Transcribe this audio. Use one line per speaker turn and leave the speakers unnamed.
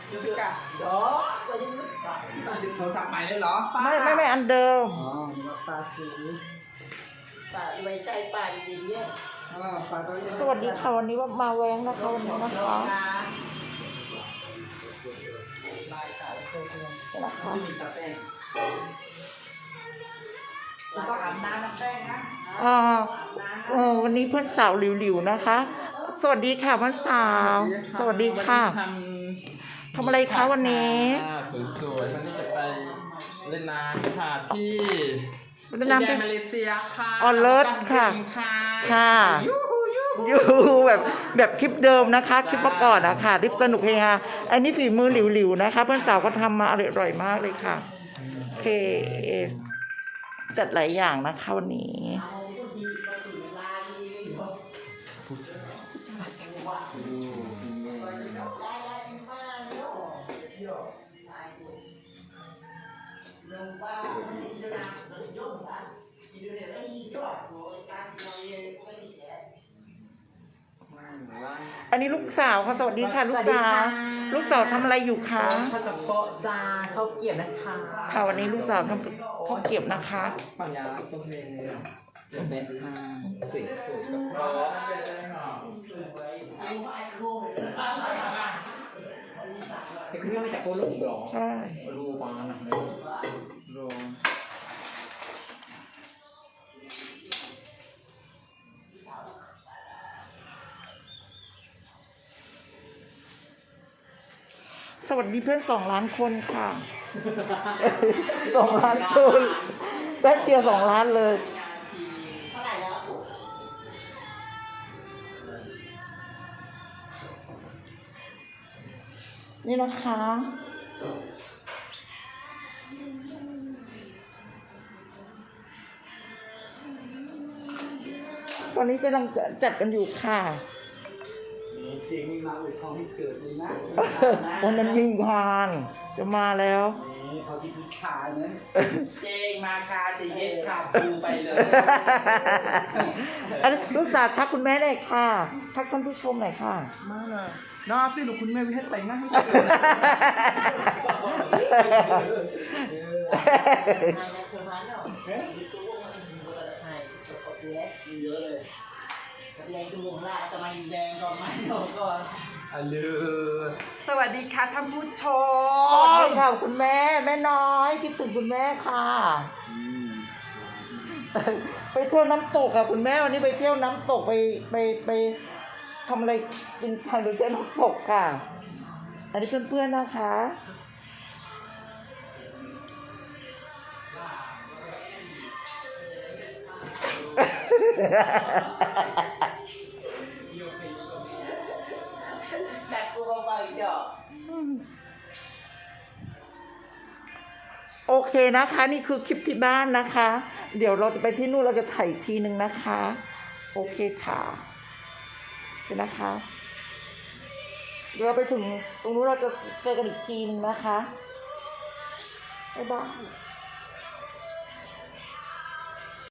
ก็ยังไม่กลับโทรศัพท์ใหม่เลยเหรอ
ไม่อันเดิม
อ๋อปลาสีปลาไว้ใส่ปลาดีๆเนี่ยปลาตัวนี้
สวัสดีค่ะวันนี้ว่ามาแวงนะคะวันนี้นะคะนะคะ
อาบน้ำแป้งนะ
วันนี้เพื่อนสาวหลิวๆนะคะ สวัสดีค่ะเพื่อนสาวสวัสดีค่ะทำอะไรคะวันนี้
สวยๆวันนี้จะไปเล่นน้ำค่ะที่
เล่นน้ำที่
มาเลเซียค่ะ
ออเลิศค่ะค่ะยูแบบคลิปเดิมนะคะคลิปเมื่อก่อนนะคะคลิปสนุกเฮฮาอันนี้ฝีมือหลิวๆนะคะเพื่อนสาวก็ทำมาอร่อยมากเลยค่ะโอเคจัดหลายอย่างนะคะวันนี้อันนี้ลูกสาวค่ะสวัสดีค่ะลูกสาวทำอะไรอยู่คะ
ข้าวกับโป๊ะจ้าข้าวเกี๊ยวนะคะ
ค่ะวันนี้ลูกสาวทำข้าวเกี๊ยวนะคะ
ปัญญาตัวเพลงเด็ดๆสวยๆกับเพราะไอ้คุณยังไม่จับโป๊ะลูกอีกหรอ
ใช่
รูปานะรู
สวัสดีเพื่อน2 ล้านคนค่ะ2 ล้านคนแป๊บเดียว2 ล้านเลยนี่นะคะตอนนี้กำลังจัดกันอยู่ค่ะ
เจงมีมาอวยพรให้เกิดเลยนะ
วันนั้นยิงพานจะมาแล้ว
นี่เขาที่พิชาเนี่ยเจงมาคาจะเย็ดขาปูไปเลย
ลูกสาวทักคุณแม่หน่อยค่ะทักท่านผู้ชมหน่อยค่ะ
มาเลยน้าพี่หนูคุณแม่วิให้แต่งหน้าให้เยอะเลยแดงดูวงละจะมาแดงก่อนไหมก่อนสวัสดีค่ะท่านผู้ชม
สวัสดีค่ะคุณแม่น้อยคิดถึงคุณแม่ค่ะไปเที่ยวน้ำตกค่ะคุณแม่วันนี้ไปเที่ยวน้ำตกไปทำอะไรกินทานหรือเที่ยวน้ำตกค่ะอันนี้เพื่อนๆนะคะ
แต่กูเบาๆเดี๋ยว
โอเคนะคะนี่คือคลิปที่บ้านนะคะเดี๋ยวเราจะไปที่นู่นเราจะถ่ายทีนึงนะคะโอเคค่ะเดี๋ยวนะคะเดี๋ยวเราไปถึงตรงนู้นเราจะเจอกันอีกทีนึงนะคะบ๊ายบาย